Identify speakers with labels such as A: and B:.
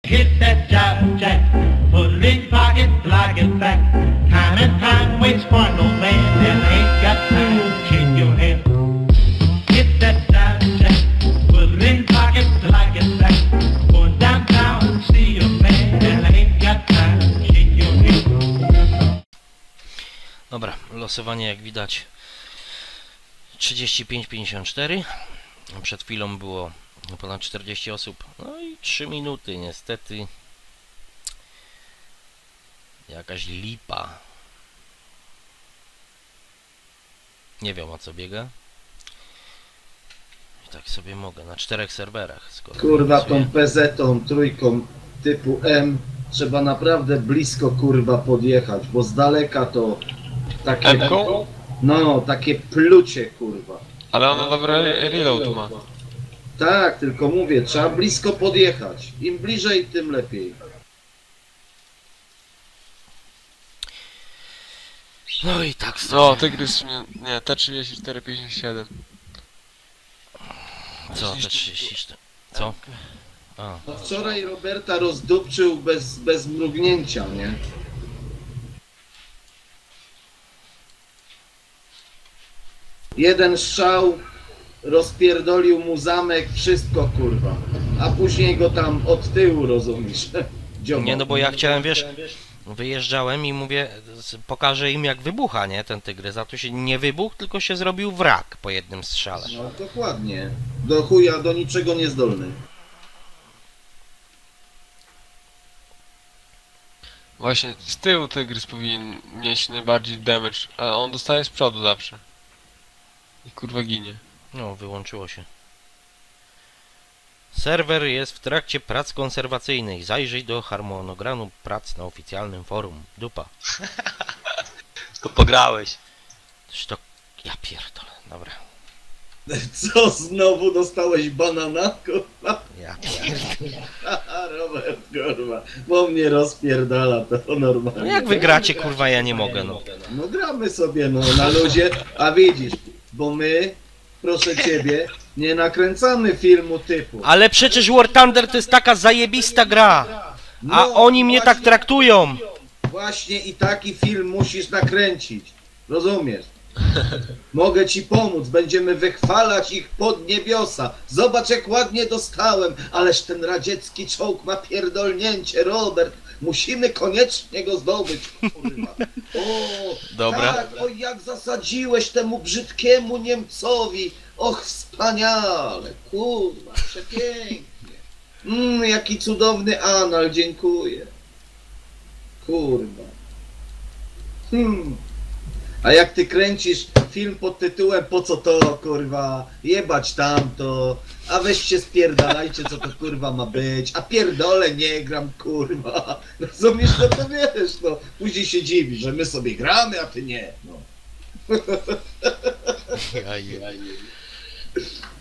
A: Hit that jive jack, put it in your pocket, like it back. Time and time waits for no man, and ain't got time to shake your hand. Hit that jive jack, put it in your pocket, like it back. Going downtown to see your man, and ain't got time to shake your hand.
B: Dobra, losowanie jak widać 35-54. Przed chwilą było ponad 40 osób. No i 3 minuty niestety. Jakaś lipa. Nie wiem o co biega. I tak sobie mogę na 4 serwerach.
C: Kurwa tą PZ-tą trójką typu M trzeba naprawdę blisko kurwa podjechać, bo z daleka to takie...
D: M-ką?
C: No, takie plucie kurwa.
D: Ale ona dobry reload ma.
C: Tak, tylko mówię, trzeba blisko podjechać. Im bliżej, tym lepiej.
B: No i tak sobie.
D: No, Tygrys, nie, T3457.
B: Co, te 34? Co? A.
C: No wczoraj Roberta rozdupczył bez mrugnięcia, nie? Jeden strzał, rozpierdolił mu zamek, wszystko kurwa. A później go tam od tyłu, rozumiesz?
B: Nie, no bo ja chciałem, wiesz, wyjeżdżałem i mówię, pokażę im jak wybucha, nie, ten tygrys, a tu się nie wybuchł, tylko się zrobił wrak po jednym strzale.
C: No dokładnie. Do chuja, do niczego niezdolny.
D: Właśnie z tyłu Tygrys powinien mieć najbardziej damage, a on dostaje z przodu zawsze. I kurwa ginie.
B: No, wyłączyło się. Serwer jest w trakcie prac konserwacyjnych. Zajrzyj do harmonogramu prac na oficjalnym forum. Dupa.
E: To pograłeś.
B: To... Ja pierdolę, dobra.
C: Co, znowu dostałeś banana, kurwa?
B: Ja pierdolę.
C: Robert, kurwa, bo mnie rozpierdala to normalnie.
B: No jak wy gracie, kurwa, ja nie mogę, no.
C: No gramy sobie, no, na luzie, a widzisz, bo my, proszę ciebie, nie nakręcamy filmu typu.
B: Ale przecież War Thunder to jest taka zajebista gra. A
C: No,
B: oni mnie tak traktują.
C: Właśnie i taki film musisz nakręcić, rozumiesz? Mogę ci pomóc, będziemy wychwalać ich pod niebiosa. Zobacz jak ładnie dostałem, ależ ten radziecki czołg ma pierdolnięcie, Robert. Musimy koniecznie go zdobyć, kurwa. O,
B: Dobra.
C: tak, o jak zasadziłeś temu brzydkiemu Niemcowi. Och, wspaniale, kurwa, przepięknie. Jaki cudowny anal, dziękuję. Kurwa. A jak ty kręcisz film pod tytułem po co to, kurwa, jebać tamto, a weźcie spierdalajcie co to kurwa ma być, a pierdolę nie gram kurwa, rozumiesz, no to wiesz, no, później się dziwi, że my sobie gramy, a ty nie, no.